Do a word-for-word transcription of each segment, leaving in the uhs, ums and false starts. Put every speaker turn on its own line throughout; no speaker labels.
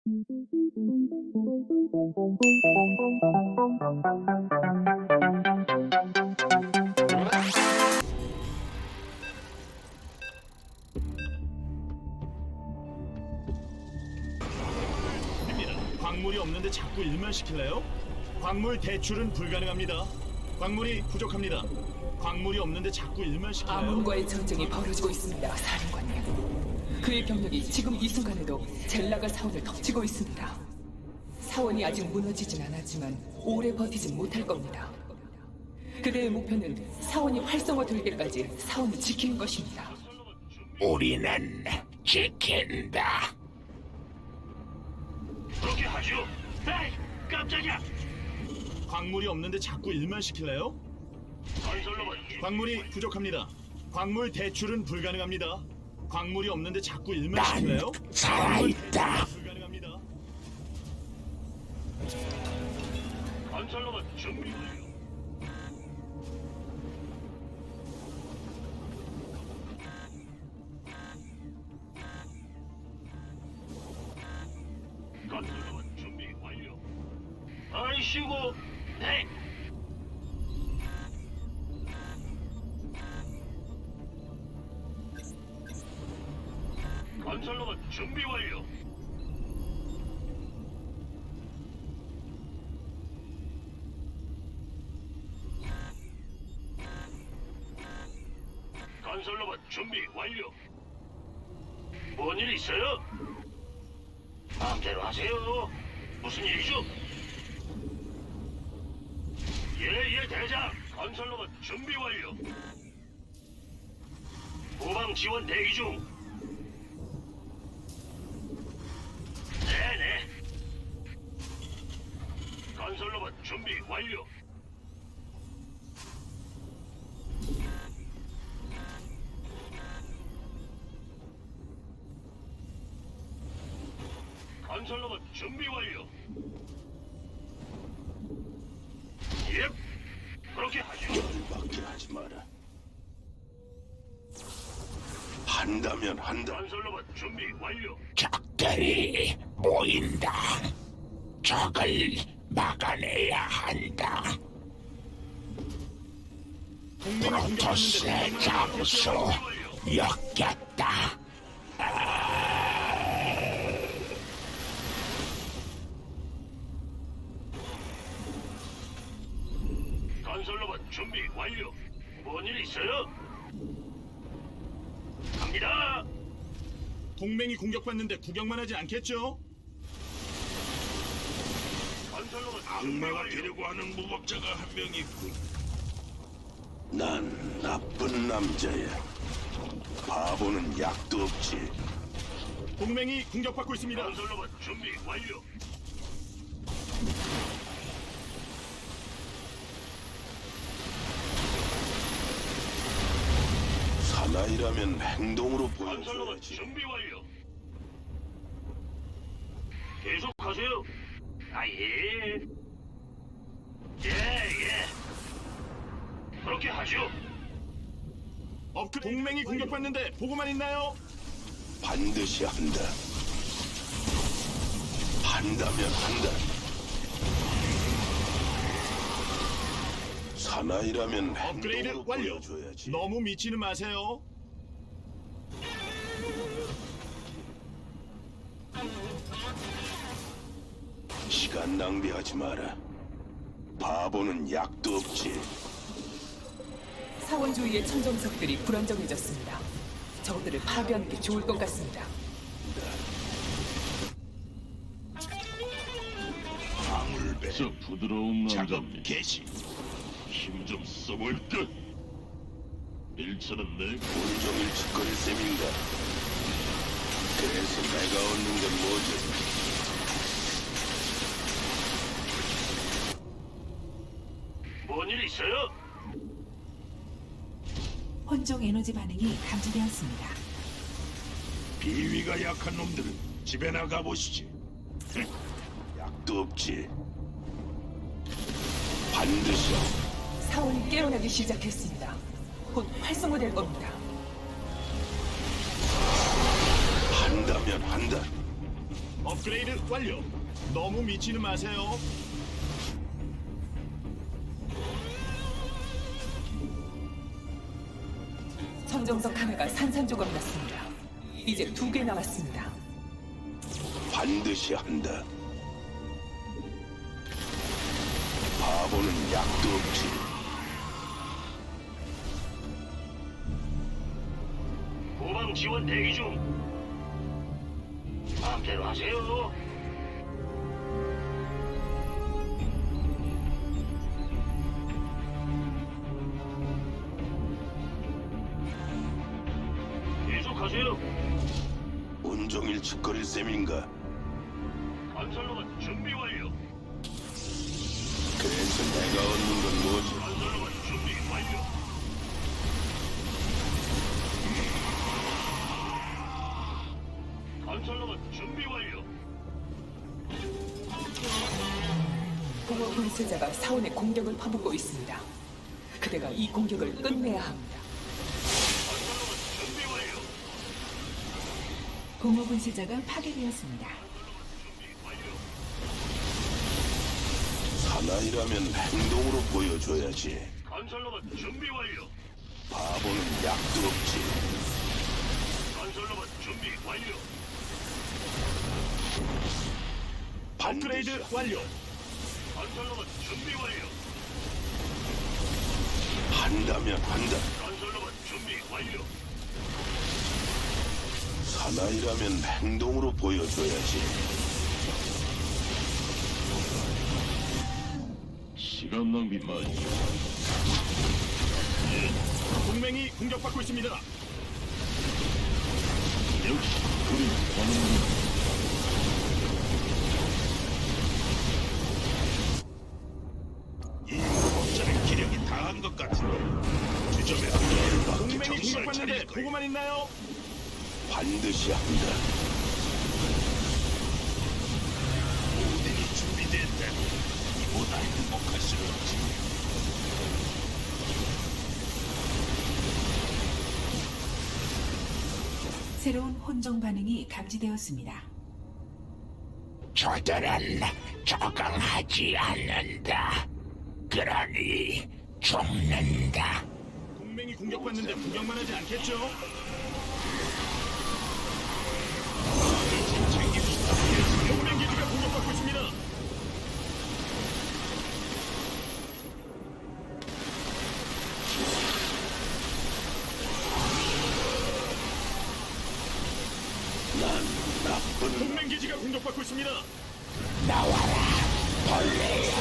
광물이 없는데 자꾸 일만 시킬래요? 광물 대출은 불가능합니다. 광물이 부족합니다. 광물이 없는데 자꾸 일만 시킬래요?
아몬과의 전쟁이 벌어지고 있습니다, 사령관님. 그의 병력이 지금 이 순간에도 젤라가 사원을 덮치고 있습니다. 사원이 아직 무너지진 않았지만 오래 버티진 못할 겁니다. 그대의 목표는 사원이 활성화되기까지 사원을 지키는 것입니다.
우리는 지킨다.
그렇게 하죠. 에이, 깜짝이야.
광물이 없는데 자꾸 일만 시킬래요?
건설로봇
광물이 부족합니다. 광물 대출은 불가능합니다. 광물이 없는데 자꾸 일만
난
시킬래요?
살아있다.
불가능합니다.
건설로봇 준비 완료. 건설로봇 준비 완료. 아이씨고, 네. 건설로봇 준비 완료. 건설로봇 준비 완료. 뭔 일 있어요? 마음대로 하세요. 무슨 일이죠? 예예 대장. 건설로봇 준비 완료. 후방 지원 대기 중. 네네. 건설로봇 준비 완료. 건설로봇 준비 완료. 예, 그렇게 하죠.
열받게 하지 마라. 한다면 한다.
건설로봇 준비 완료.
적들이 모인다. 적을 막아내야 한다.
동맹이
프로토스의
공격받는데
잠수 엮였다.
건설로봇 준비 완료. 뭔 일 있어요? 갑니다.
동맹이 공격받는데 구경만 하지 않겠죠?
건설로봇 준비
악마가
완료.
되려고 하는 무법자가 한 명 있군. 난 나쁜 남자야. 바보는 약도 없지.
동맹이 공격받고 있습니다.
건설로봇 준비 완료.
사나이라면 행동으로
건설로봇
보여줘야지.
준비 완료. 계속하세요. 아 예. 예 예. 그렇게 하죠.
업그 동맹이 공격받는데 보고만 있나요?
반드시 한다. 한다면 한다. 사나이라면
업그레이드
행동으로
완료.
보여줘야지.
너무 미치는 마세요.
시간 낭비하지 마라. 바보는 약도 없지.
사원 주위의 천정석들이 불안정해졌습니다. 저들을 파괴하는 게 좋을 것 같습니다.
방울배
저 부드러운
작업
남자님.
개시.
힘 좀 써볼 듯. 일차는 내
온종일 짓거릴 셈인가. 그래서 내가 얻는 건 뭐지?
뭔 일 있어요?
혼종 에너지 반응이 감지되었습니다.
비위가 약한 놈들은 집에 나가 보시지. 약도 없지. 반드시
사원이 깨어나기 시작했습니다. 곧 활성화될 겁니다.
한다면 한다.
업그레이드 완료. 너무 미치는 마세요.
천정석 하나가 산산조각 났습니다. 이제 두 개 남았습니다.
반드시 한다. 바보는 약도 없지.
후방 지원 대기 중. 마음대로 하세요. 계속하세요.
온종일 짓거릴 셈인가?
건설로봇 준비 완료.
그래서 내가 얻는 건 뭐지?
건설로봇 준비 완료. 건설로봇 준비 완료.
공허 분쇄자가 사원의 공격을 퍼붓고 있습니다. 그대가 이 공격을 끝내야 합니다.
건설로봇 준비 완료.
공허 분쇄자가 파괴되었습니다.
준비 완료.
사나이라면 행동으로 보여줘야지.
건설로봇 준비 완료.
바보는 약도 없지.
건설로봇 준비 완료.
반드시
업그레이드 완료.
건설로봇 준비 완료.
한다면 한다.
건설로봇 준비 완료.
사나이라면 행동으로 보여줘야지.
시간 낭비 말죠.
동맹이 공격받고 있습니다.
역시 우리 반응.
이 무법자는 기력이 다한 것 같은데 주점에 열받게
동맹이
정신을
공격받는데
차릴 거야.
보고만 있나요?
반드시 한다. 모든이 준비됐다. 이보다 행복할 수 없지.
새로운 혼종 반응이 감지되었습니다.
저들은 적응하지 않는다. 그러니 죽는다.
동맹이 공격받는데 구경만 하지 않겠죠? 동맹 기지가 공격받고 있습니다.
난 나쁜
동맹 기지가 공격받고 있습니다.
나와라, 벌레야.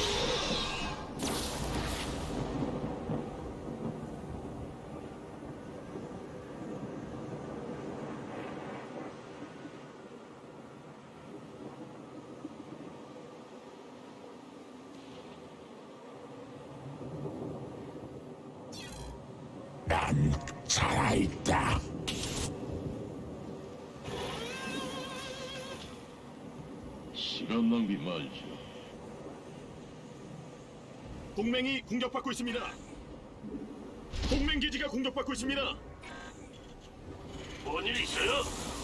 난 살아있다.
시간 낭비 말죠.
동맹이 공격받고 있습니다. 동맹 기지가 공격받고 있습니다.
뭔 일 있어요?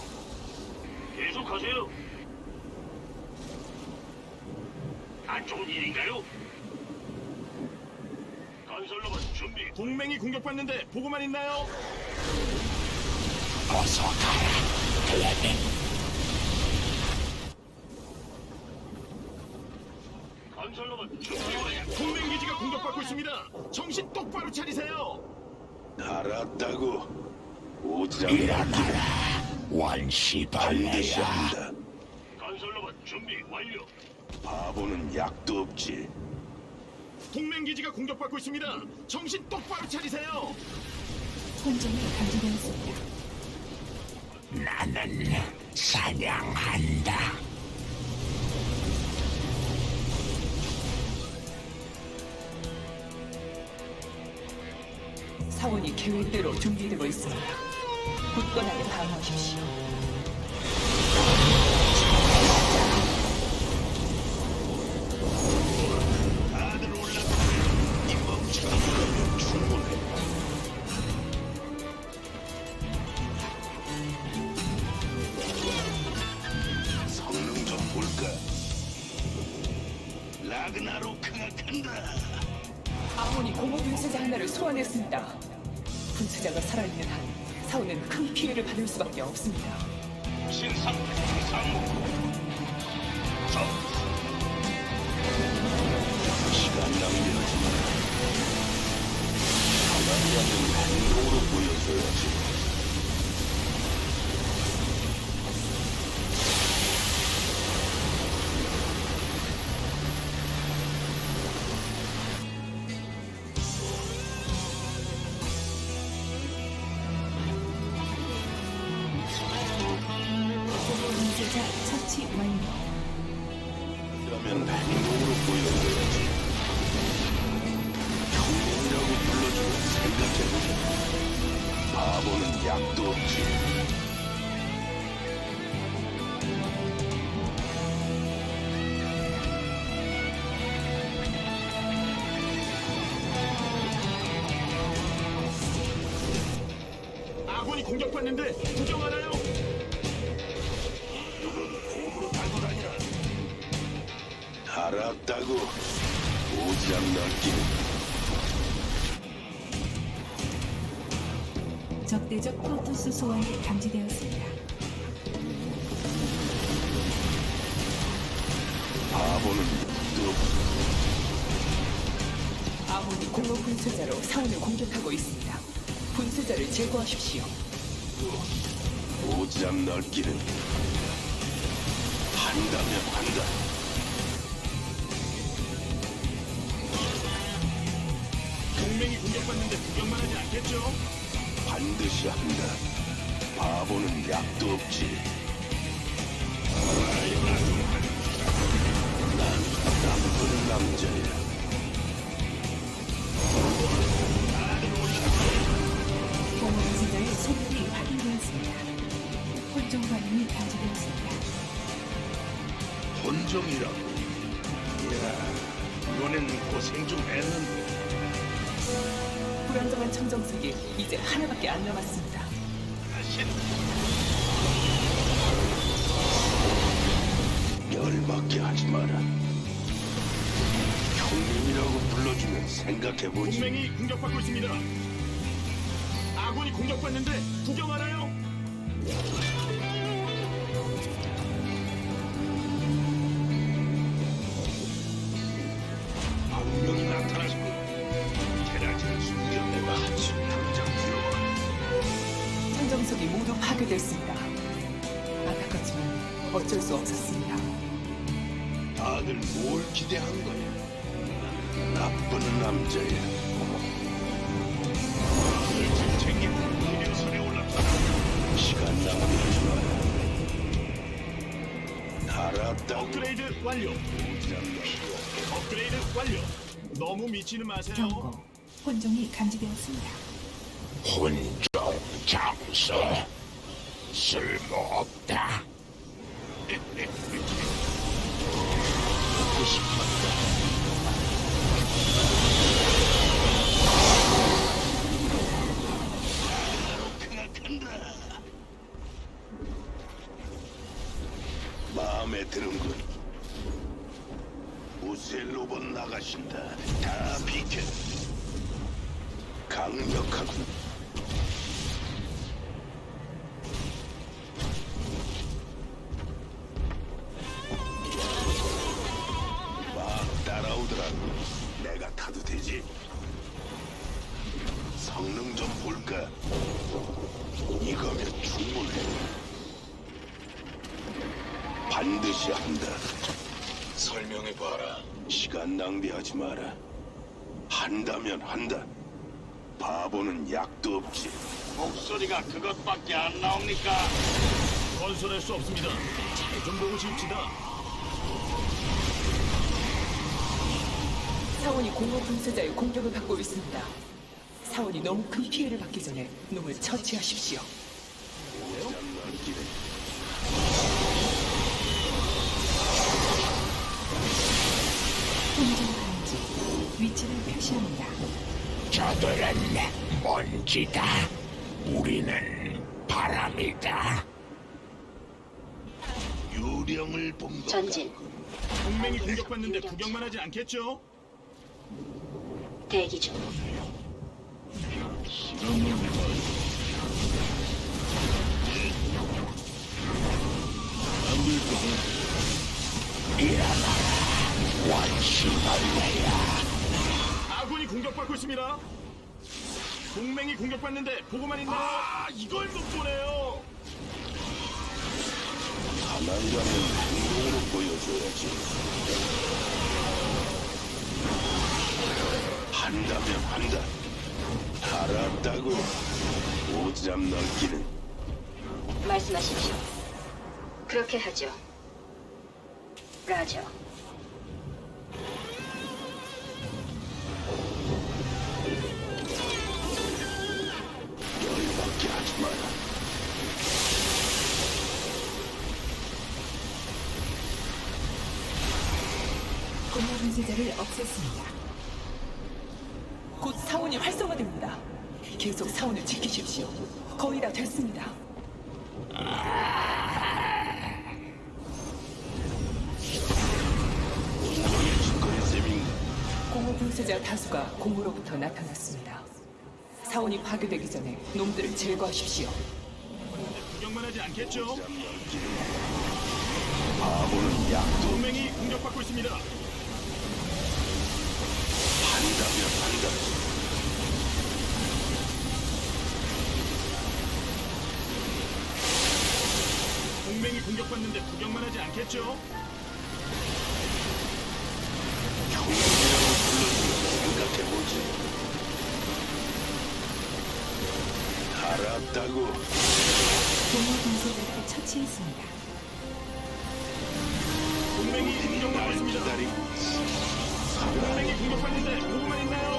계속하세요. 안 좋은 일인가요? 건설로봇 준비.
동맹이 공격받는데 보고만 있나요?
어서 가라, 클레멘.
건설로봇 준비 완료.
동맹 기지가 공격받고 있습니다. 정신 똑바로 차리세요.
알았다고. 오장
일어나라,
반드시
원시벌레야.
한다.
건설로봇 준비 완료.
바보는 약도 없지.
동맹 기지가 공격받고 있습니다. 정신 똑바로 차리세요.
혼종이 감지되었습니다.
나는 사냥한다.
사원이 계획대로 준비되고 있습니다. 굳건하게 방어하십시오.
다들 올라가. 이 멍청한 거면 충분해. 볼까? 라그나로크가 간다.
아몬이 공허 분쇄자 하나를 소환했습니다. 분쇄자가 살아있는 한 사원은 큰 피해를 받을 수밖에 없습니다.
신상 상무 적
시간 낭비하지 마. 가만히 앉은 행동으로 보여줘야지.
분쇄자 처치 완료.
그러면 행동으로 보여줘야지. 형님이라고 불러주면 생각해보자. 바보는 약도 없지.
아군이 공격받는데 구경하나요?
알았다고. 오지랖 넓기는.
적대적 프로토스 소환이 감지되었습니다.
바보는 또
아몬이 공허 분쇄자로 사원을 공격하고 있습니다. 분쇄자를 제거하십시오.
오지랖 넓기는. 한다면 한다.
동맹이 공격받는데 구경만 하지 않겠죠?
반드시 한다. 바보는 약도 없지. 난 나쁜 남자야.
공허 분쇄자의 소멸이 확인되었습니다. 혼종 반응이 감지되었습니다.
본종이라고. 야, 이번엔 고생 좀 했는데.
불안정한 청정석이 이제 하나밖에 안 남았습니다.
열받게 하지 마라. 형님이라고 불러주면 생각해보지.
동맹이 공격받고 있습니다. 아군이 공격받는데 구경하나요?
분명히 나타났고 테라지를 숨겨 내가 한숨 당장 들어와.
청정석이 모두 파괴됐습니다. 안타깝지만 어쩔 수 없었습니다.
다들 뭘 기대한 거야? 나쁜 남자야.
일찍 챙기고 해변선에 올랐다.
시간 낭비하지 마라. 알았다고.
업그레이드 완료. 업그레이드 완료. 너무 미치는 마세요.
경고. 혼종이 감지되었습니다.
혼종 장소 쓸모없다.
마음에 드는군. 우셀 로봇 나가신다. 다 비켜. 강력하군. 막 따라오더라고. 내가 타도 되지? 성능 좀 볼까? 이거면 충분해. 반드시 한다. 설명해봐라. 시간 낭비하지 마라. 한다면 한다. 바보는 약도 없지.
목소리가 그것밖에 안 나옵니까?
건설할 수 없습니다. 잘 좀 보고 집시다.
사원이 공허 분쇄자의 공격을 받고 있습니다. 사원이 너무 큰 피해를 받기 전에 놈을 처치하십시오.
혼종 감지. 위치를 표시합니다.
저들은 먼지다. 우리는 바람이다.
유령을 본 것
전진.
같군.
동맹이 공격받는데 구경만 하진 않겠죠?
대기 중.
아군이 공격받고 있습니다. 동맹이 공격받는데 보고만 있나요? 아, 이걸 못 보네요.
가만가면 행동으로 보여줘야지. 한다면 한다. 알았다고. 오지랖 넓기는
말씀하십시오. 그렇게 하죠. 라저.
열받게 하지 마라.
공허 분쇄자를 없앴습니다.
곧 사원이 활성화됩니다. 계속 사원을 지키십시오. 거의 다 됐습니다.
온종일 짓거릴 셈인가?
공허 분쇄자 다수가 공으로부터 나타났습니다. 사원이 파괴되기 전에 놈들을 제거하십시오.
구경만 하지 않겠죠?
바보는 약도
동맹이 공격받고 있습니다.
한다면 한다.
동맹이 공격받는데 구경만 하지 않겠죠?
형님이라고 불러주면 생각해보지. 알았다고.
공허 분쇄자를 처치했습니다.
동맹이 공격받고
날
있습니다.
기다리고
동맹이 공격받는데 보고만 있나요?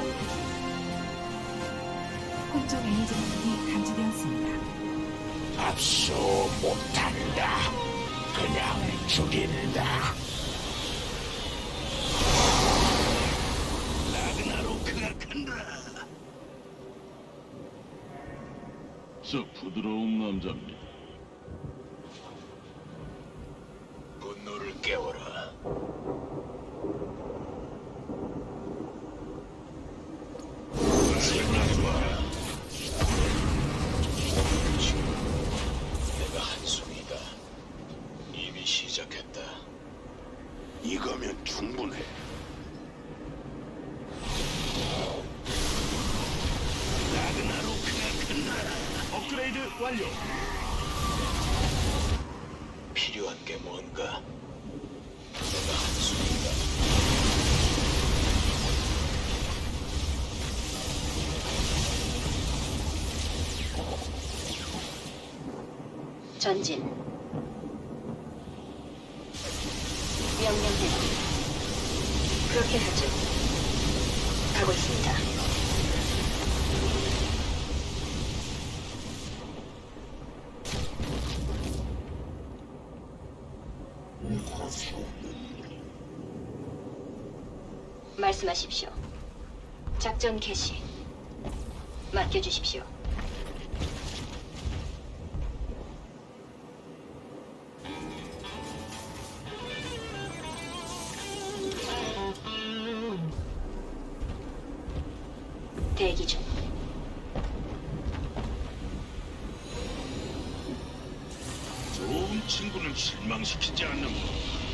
혼종 에너지 반응이 감지되었습니다.
압수 못한다. 그냥 죽인다.
라그나로크가 간다.
저 부드러운 남자입니다.
분노를 깨워라. 생각하지 마라. 내가 한숨이다. 이미 시작했다. 이거면 충분해. 라그나로크가 간다.
업그레이드 완료.
필요한 게 뭔가? 내가 한숨이다.
전진. 명령대로. 그렇게 하죠. 가고 있습니다. 말씀하십시오. 작전 개시. 맡겨주십시오. 대기 중.
좋은 친구는 실망시키지 않는 법.